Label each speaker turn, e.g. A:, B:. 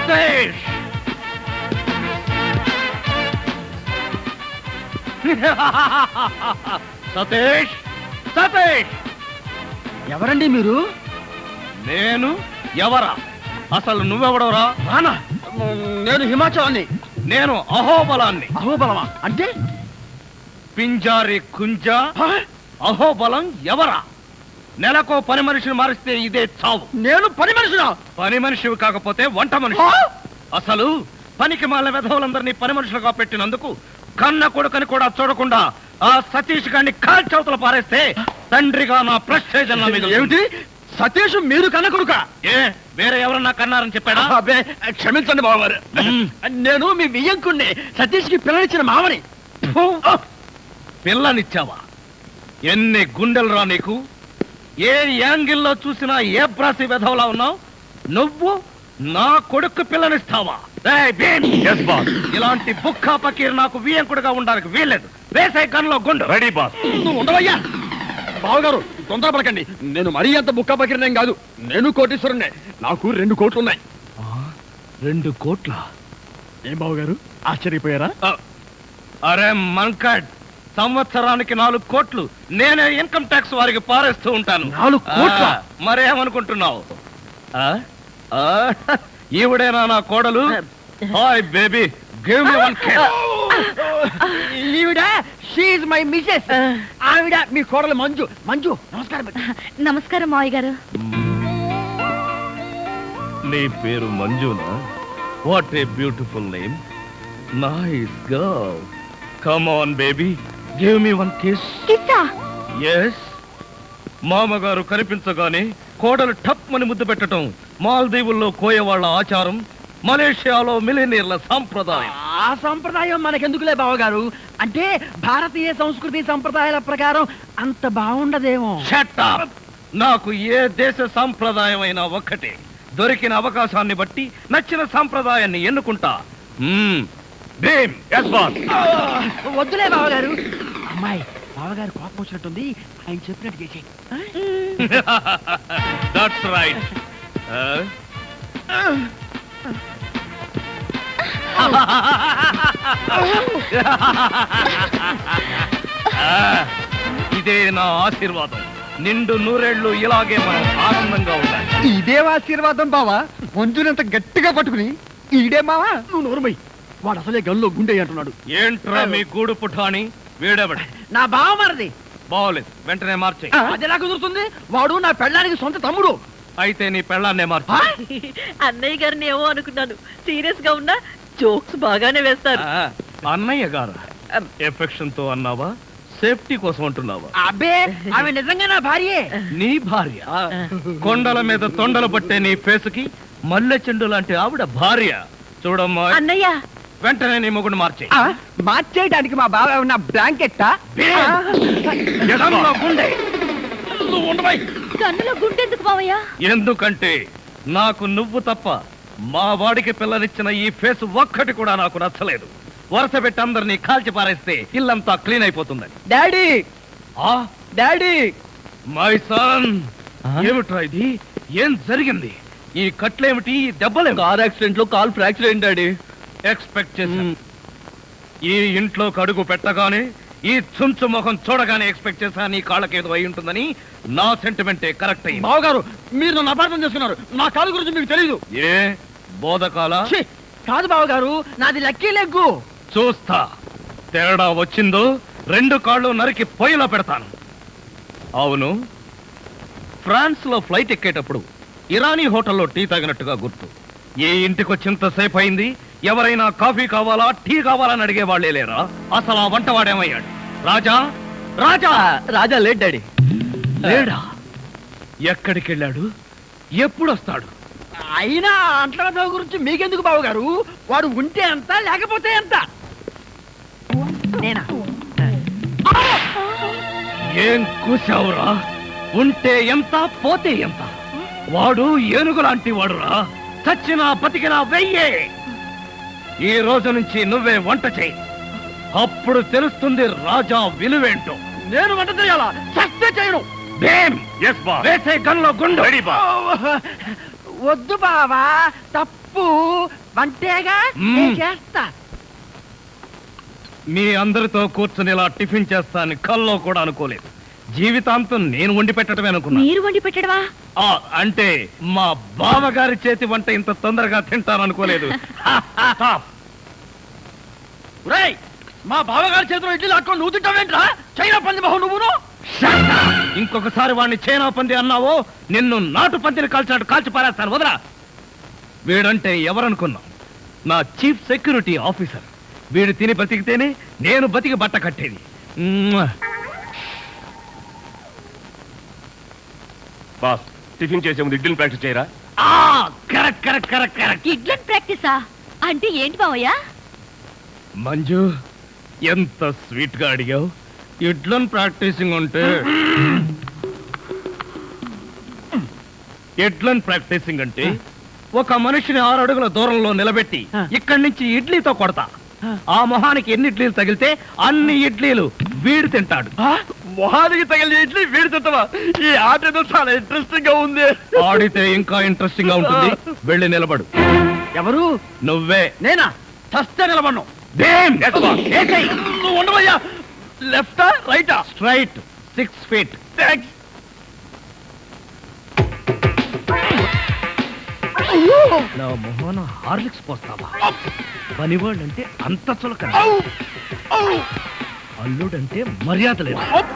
A: సతీష్ సతీష్ సతీష్
B: ఎవరండి మీరు?
A: నేను ఎవరా? అసలు నువ్వెవడవరా?
B: రానా? నేను హిమాచలాన్ని.
A: నేను అహోబలాన్ని.
B: అహోబలమా అంటే?
A: పింజారి కుంజ. అహోబలం ఎవరా? నెలకో పని మనిషిని మారిస్తే ఇదే చావు.
B: నేను పని మనిషినా?
A: పని మనిషివి కాకపోతే వంట మనిషి. అసలు పనికి మాల వెధవులందరినీ పని మనుషులుగా పెట్టినందుకు కన్న కొడుకని కూడా చూడకుండా ఆ సతీష్ గారిని కాల్చవతల పారేస్తే తండ్రిగా నా ప్రెస్టేజ్ అన్న మీద.
B: ఏమిటి? సతీష్ మీరు కన్న కొడుక?
A: ఏ వేరే ఎవరన్నా కన్నారని చెప్పాడా?
B: అబ్బే క్షమించండి బావగారు, నేను మీ వియ్యంకుణ్ణి, సతీష్ కి పిల్లనిచ్చిన మామని.
A: పిల్లనిచ్చావా? ఎన్ని గుండెలు రా నీకు? ఏ యాంగిల్లో చూసినా ఏ బ్రాసి వెధవలా ఉన్నావు నువ్వు? నా కొడుకు పిల్లనిస్తావా? ఇలాంటి బుక్కా పకీర్ నాకు వియ్యంకుడుగా ఉండడానికి వీల్లేదు. వేసే గన్లో గుండు.
C: Ready boss.
B: నువ్వు ఉండవయ్యా. బావగారు తొందరపడకండి, నేను మరీ అంత బుక్కా పకీర్నేం కాదు. నేను కోటీశ్వరుణ్ణే, నాకు 2 కోట్లు ఉన్నాయి.
A: 2 కోట్ల?
B: ఏం బావగారు ఆశ్చర్యపోయారా?
A: అరే మంకడ్, సంవత్సరానికి 4 కోట్లు నేనే ఇన్కమ్ ట్యాక్స్ వారికి పారేస్తూ ఉంటాను.
B: 4 కోట్ల?
A: మరేమనుకుంటున్నావు? ఈవిడేనా నా కోడలు? Hi baby, give me 1 cake.
B: ఈవిడ షీ ఇస్ మై మిసెస్. ఆవిడ మీ కోడలు మంజు. మంజు నమస్కారం.
D: నమస్కారం మావయ్య గారు.
A: నీ పేరు మంజునా? What a beautiful name. Nice girl. Come on baby, give me 1 kiss.
D: కిస్సా?
A: yes. మామగారు కనిపించగానే కోడలు టప్ మని ముద్దు పెట్టడం మాల్దీవుల్లో కోయవాళ్ల ఆచారం, మలేషియాలో మిలినీర్ల సాంప్రదాయం.
B: ఆ సంప్రదాయం మనకెందుకులే బావగారు, అంటే భారతీయ సంస్కృతి సంప్రదాయాల ప్రకారం అంత బాగుండదేమో.
A: Shut up. నాకు ఏ దేశ సాంప్రదాయం అయినా ఒక్కటే. దొరికిన అవకాశాన్ని బట్టి నచ్చిన సాంప్రదాయాన్ని ఎన్నుకుంటా. భీమ్.
C: yes boss.
B: వద్దులే బావగారు. అమ్మాయి బావగారు కోపం వచ్చినట్టుంది, ఆయన చెప్పినట్టు చేసేయి.
A: That's right. ఇదే నా ఆశీర్వాదం. నిండు 100 ఏళ్ళు ఇలాగే మనం ఆనందంగా ఉండాలి.
B: ఇదే ఆశీర్వాదం బావా. మంజునంత గట్టిగా పట్టుకుని ఈడే మావా. నువ్వు నోరుమై, వాడు అసలే గల్లో గుండె అంటున్నాడు.
A: ఏంట్రా మీ గూడు పుఠాని? వీడెవడ?
B: నా బావ మరిది.
A: బాగోలేదు, వెంటనే మార్చేయి.
B: అది ఎలా కుదురుతుంది? వాడు నా పెళ్ళానికి సొంత తమ్ముడు.
A: అయితే నీ పెళ్ళాన్నే మార్చు.
D: అన్నయ్య గారిని ఏమో అనుకున్నాను, సీరియస్ గా ఉన్నా జోక్స్ బాగానే వేస్తారు.
A: అన్నయ్య గారు ఎఫెక్షన్ తో అన్నావా, సేఫ్టీ కోసం అంటున్నావా?
B: అబ్బే ఆమె నిజంగా నా భార్యే.
A: నీ భార్య? కొండల మీద తొండలు పట్టే నీ ఫేసుకి మల్లె చెండు లాంటి ఆవిడ భార్య. చూడమ్మా
D: అన్నయ్య,
A: వెంటనే నీ మొగుడు మార్చేయి.
B: మార్చేయడానికి మా బావ ఉన్న బ్లాంకెట్టా?
D: కన్నులో గుండెందుకు మావయ్య?
A: ఎందుకంటే నాకు నువ్వు తప్ప మా వాడికి పిల్లనిచ్చిన ఈ ఫేస్ ఒక్కటి కూడా నాకు నచ్చలేదు. వరుస పెట్టి అందరినీ కాల్చి పారేస్తే ఇల్లంతా క్లీన్ అయిపోతుందని.
B: Daddy, daddy,
A: my son. ఏమిట్రా ఇది? ఏం జరిగింది? ఈ కట్లేమిటి? ఈ దెబ్బలే?
B: కార్ యాక్సిడెంట్ లో కాల్ ఫ్రాక్చర్ అయింది డాడీ.
A: ఎక్స్పెక్ట్ చేశాను. ఈ ఇంట్లో అడుగు పెట్టగానే, ఈ చుంచు ముఖం చూడగానే ఎక్స్పెక్ట్ చేశా నీ కాళ్ళకేదో అయి ఉంటుందని. నా సెంటిమెంటే కరెక్ట్ అయింది.
B: బావగారు మీరు నన్ను అపార్థం చేసుకున్నారు. నా కాలు గురించి మీకు తెలీదు.
A: ఏ బోధకాల?
B: కాదు బావగారు, నాది లక్కీ లెగ్గు.
A: చూస్తా. తేడా వచ్చిందో 2 కాళ్ళు నరికి పొయ్యిలో పెడతాను. అవును, ఫ్రాన్స్ లో ఫ్లైట్ ఎక్కేటప్పుడు ఇరానీ హోటల్లో టీ తాగినట్టుగా గుర్తు. ఏ ఇంటికి వచ్చింతసేపు అయింది, ఎవరైనా కాఫీ కావాలా టీ కావాలని అడిగే వాళ్లే లేరా? అసలు ఆ వంటవాడేమయ్యాడు? రాజా, రాజా.
B: రాజా లేట్ డాడీ.
A: లేడా? ఎక్కడికి వెళ్ళాడు? ఎప్పుడు వస్తాడు?
B: అయినా అంట్ల గురించి మీకెందుకు బావగారు? వాడు ఉంటే ఎంత లేకపోతే ఎంత? నేనా?
A: ఏం కూసావురా? ఉంటే ఎంత పోతే ఎంత? వాడు ఏనుగు లాంటి వాడురా. చచ్చినా బతికినా వెయ్యే. ఈ రోజు నుంచి నువ్వే వంట చేయి. అప్పుడు తెలుస్తుంది రాజా విలువేంటో.
B: నేను వంట చేయాలా? చస్తే చేయను.
A: వేసే గన్లో గుండు.
C: వద్దు బావా, తప్పు. వంటేగా
A: మ్మ్.
C: నేను చేస్తా.
A: మీ అందరితో కూర్చుని ఇలా టిఫిన్ చేస్తాను కల్లో కూడా అనుకోలేదు. జీవితాంతం నేను వండి పెట్టడమే అనుకున్నా.
D: మీరు వండి పెట్టడమా?
A: అంటే మా బావగారి చేతి వంట ఇంత తొందరగా తింటాను అనుకోలేదు.
B: ఒరేయ్, మా బావగారి చేతిలో ఇడ్లీ లాక్కొని నువ్వు తింటావేంట్రా? చైనా పంది మొహం నువ్వును.
A: ఇంకొకసారి వాడిని చైనా పంది అన్నావో నిన్ను నాటు పందిని కాల్చినట్టు కాల్చి పారేస్తాను. వదరా. వీడంటే ఎవరనుకున్నావు? నా చీఫ్ సెక్యూరిటీ ఆఫీసర్. వీడు తిని బతికితేనే నేను బతికి బట్ట కట్టేది.
E: బాస్, టిఫిన్ చేసే ముందు ఇడ్లీని ప్రాక్టీస్ చేయరా?
A: Correct correct correct correct.
D: ఇడ్లన్ ప్రాక్టీసా? అంటే ఏంటి బావయ్య?
A: మంజు, ఎంత స్వీట్ గా అడిగావు. ఇడ్లన్ ప్రాక్టీసింగ్ అంటే ఎడ్లన్ ప్రాక్టీసింగ్ అంటే ఒక మనిషిని 6 అడుగుల దూరంలో నిలబెట్టి ఇక్కడి నుంచి ఇడ్లీతో కొడతా. ఆ మొహానికి ఎన్ని ఇడ్లీలు తగిలితే అన్ని ఇడ్లీలు వీడు తింటాడు.
B: మొహానికి తగిలిన ఇడ్లీ వీడి తింటావా? ఈ ఆట ఏదో చాలా ఇంట్రెస్టింగ్ గా ఉంది.
A: ఆడితే ఇంకా ఇంట్రెస్టింగ్ గా ఉంటుంది. వెళ్ళి నిలబడు.
B: ఎవరు?
A: నువ్వే.
B: నేనా? చస్తే నిలబడ్ను. నువ్వు ఉండవయ్యా. లెఫ్టా రైటా?
A: Straight 6 feet.
B: థాంక్స్.
A: నా మొహన హార్లిక్స్ పోస్తావా? పనివాళ్ళంటే అంత చులకన, అల్లుడంటే మర్యాద లేదు.